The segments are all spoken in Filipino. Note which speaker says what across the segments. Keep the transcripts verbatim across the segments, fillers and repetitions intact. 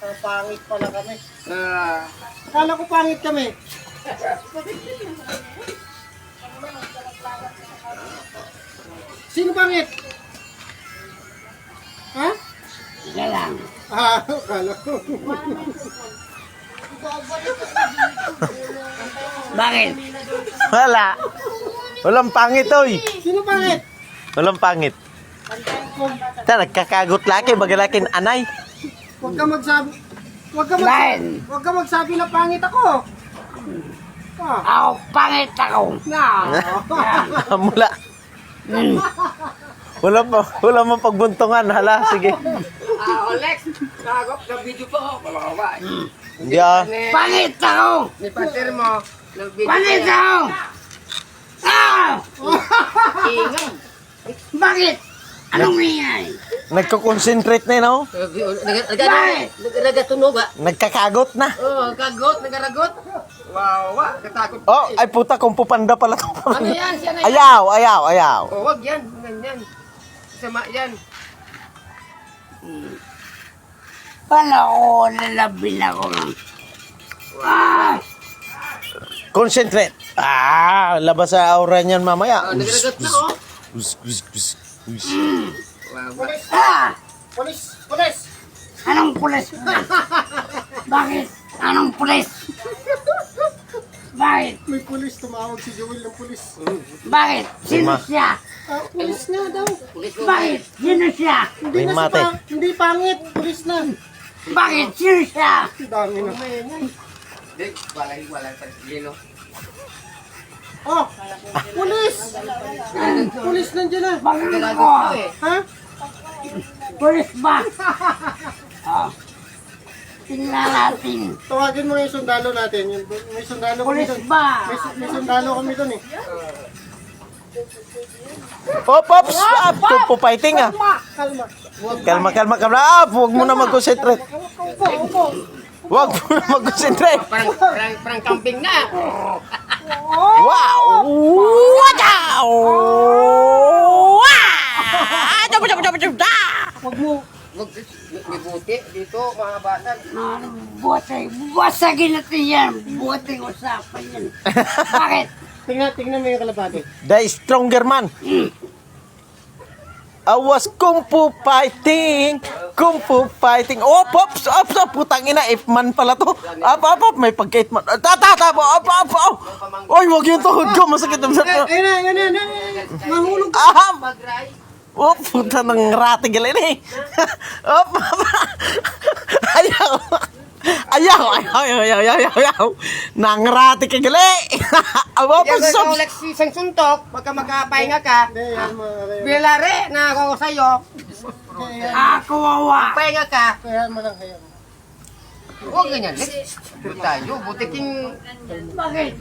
Speaker 1: Ah, pangit pala kami.
Speaker 2: Ah,
Speaker 1: Akala ko pangit kami. Sino pangit? Ha?
Speaker 2: Sila lang.
Speaker 1: Ah, akala ko.
Speaker 2: Bakit?
Speaker 3: Wala. Walang pangit, oy.
Speaker 1: Sino pangit?
Speaker 3: Walang pangit. Ta, nagkakagot laki, bagalakin anay.
Speaker 1: Huwag ka magsabi. Huwag ka
Speaker 2: Bakit?
Speaker 1: magsabi. Huwag ka magsabi na pangit ako. Ah.
Speaker 2: Ako, pangit ako.
Speaker 1: Na.
Speaker 3: Mula. Wala pa, wala mo pagbuntungan. Hala, sige.
Speaker 2: Ah, Alex, nagop na video po. Malawa.
Speaker 3: Hindi ah.
Speaker 2: Pangit ako.
Speaker 1: Ni partner mo.
Speaker 2: Pangit ako. Ah! Ingay. Bakit? Anong ingay?
Speaker 3: Nagko-concentrate na yun, oh.
Speaker 2: Bakit?
Speaker 1: Nagatunog ah.
Speaker 3: Nagkakagot na.
Speaker 1: Oh, kagot, nagaragot. Wow, wa, katakot.
Speaker 3: Oh, ay puta, kung pupanda pala to.
Speaker 1: Ano yan? Siya na yan.
Speaker 3: Ayaw, ayaw, ayaw.
Speaker 1: Oh, wag yan. Ganyan. Sama yan.
Speaker 2: Paano ako lalabin ako lang? Ah!
Speaker 3: Concentrate. Ah, labas sa aura niyan mamaya.
Speaker 1: Oh, nagaragot na oh.
Speaker 3: Us, us, us, us.
Speaker 1: Wow, wa.
Speaker 2: Ah!
Speaker 1: Polis, polis.
Speaker 2: Anong pulis? Bakit? Anong pulis? Bakit?
Speaker 1: May pulis, tumawag si Joel ng pulis.
Speaker 2: Bakit? Sino
Speaker 3: Lima.
Speaker 2: siya?
Speaker 1: Ah, pulis na daw.
Speaker 2: Bakit? Sino siya?
Speaker 1: Hindi
Speaker 3: May
Speaker 1: na
Speaker 3: mate.
Speaker 1: siya pa, hindi pangit. Pulis na.
Speaker 2: Bakit? Sino siya?
Speaker 1: Ang dami na.
Speaker 2: Dik, walay, walay pa lilo.
Speaker 1: Oh, pulis. Pulis nandiyan na.
Speaker 2: Bakit ako?
Speaker 1: Ha?
Speaker 2: Pulis ba? Oh. Tingnan natin.
Speaker 1: Tawagin mo na yung sundalo natin. Yung, may sundalo kami
Speaker 2: Pulis
Speaker 1: doon.
Speaker 2: ba?
Speaker 1: May, su- may sundalo kami doon eh.
Speaker 3: Op, op, stop. Tupo fighting ah.
Speaker 1: Kalma.
Speaker 3: Kalma, kalma, kalma. Ah, huwag mo na mag-concentrate.
Speaker 1: Upo, upo.
Speaker 3: Huwag mo na mag-concentrate.
Speaker 2: Parang, parang, parang camping na.
Speaker 3: Wow! Wow! Wow! Dapat, dapat, dapat, dapat.
Speaker 1: Huwag mo.
Speaker 2: Wag, may buti dito, mga bata. Buti, basagin natin yan. Buti usapan yan. Bakit?
Speaker 1: Tingnan, tingnan mo yung kalapate.
Speaker 3: The stronger man. I was kung fu fighting, kung fu fighting. Oh, pops, up, up, putang ina, if man pala to. Up, up, up, may pagkait man. Tata, tata, up, up, up. Oy, wag yung tuhod ko, masakit ang
Speaker 1: Eh,
Speaker 3: sakit.
Speaker 1: ayun na, ayun na, ayun na. Mahulog.
Speaker 3: Aham. Oh, puta ng rati galing eh. Oh, ayaw. Ayaw, ayaw, ayaw, ayaw, ayaw, ayaw. Nang rati ka gali. Aba,
Speaker 2: Yan
Speaker 3: pasok.
Speaker 2: ang Alex isang suntok, pagka makapahinga ka,
Speaker 1: Hindi, yan mo.
Speaker 2: bilare na ako sa'yo. Ako wawa. Pahinga ka.
Speaker 1: Kaya mo lang, kaya mo.
Speaker 2: Huwag ganyan, Lex. Huwag tayo, butiking... Bakit?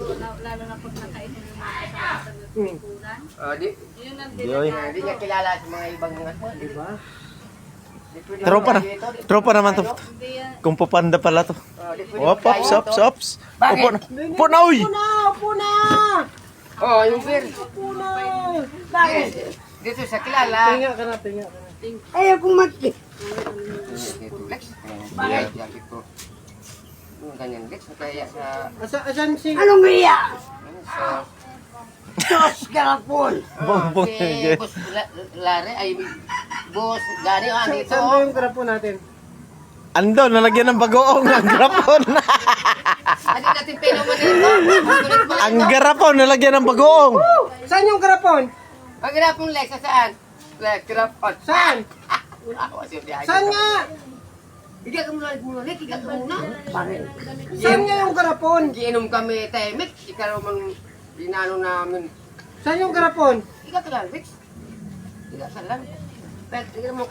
Speaker 2: Ah, di,
Speaker 3: Yoy.
Speaker 2: di niya kilala sa mga ibang mga di ba?
Speaker 3: Tropa na. Tropa naman to. Kung papanda pala to. Op, ops, ops, ops. Upo na. Upo na, uy.
Speaker 1: Upo na, upo na.
Speaker 2: Oh, yung beer.
Speaker 1: Upo na.
Speaker 2: Bakit? Dito sa kilala.
Speaker 1: Tinga ka na, tinga ka na.
Speaker 2: Ayaw kong mati. Dito, Lex. Bakit? Dito. Ganyan, Lex. Kaya sa...
Speaker 1: Asa, asan si...
Speaker 2: Anong iya? Sa... Diyos garapon.
Speaker 3: Bongbong
Speaker 2: Si
Speaker 3: yun.
Speaker 2: Boss La- Lare ay... Boss Gary, ah,
Speaker 1: Saan
Speaker 2: dito.
Speaker 1: saan ba yung grapo natin?
Speaker 3: Ando, nalagyan ng bagoong ang garapon.
Speaker 2: Hindi natin peno mo dito.
Speaker 3: Ang garapon, nalagyan ng bagoong.
Speaker 1: Saan yung grapon?
Speaker 2: Ang garapon, Lex, saan? Lex, garapon.
Speaker 1: Saan? Saan nga?
Speaker 2: Bigyan ka muna, muna, Lex, bigyan ka muna. Bakit?
Speaker 1: Saan nga yung garapon?
Speaker 2: Giinom kami, Temek. Ikaw mang dinano namin.
Speaker 1: Saan yung garapon?
Speaker 2: Ikaw ka lang, Lex. Ikaw ka lang. Pero, tingnan mo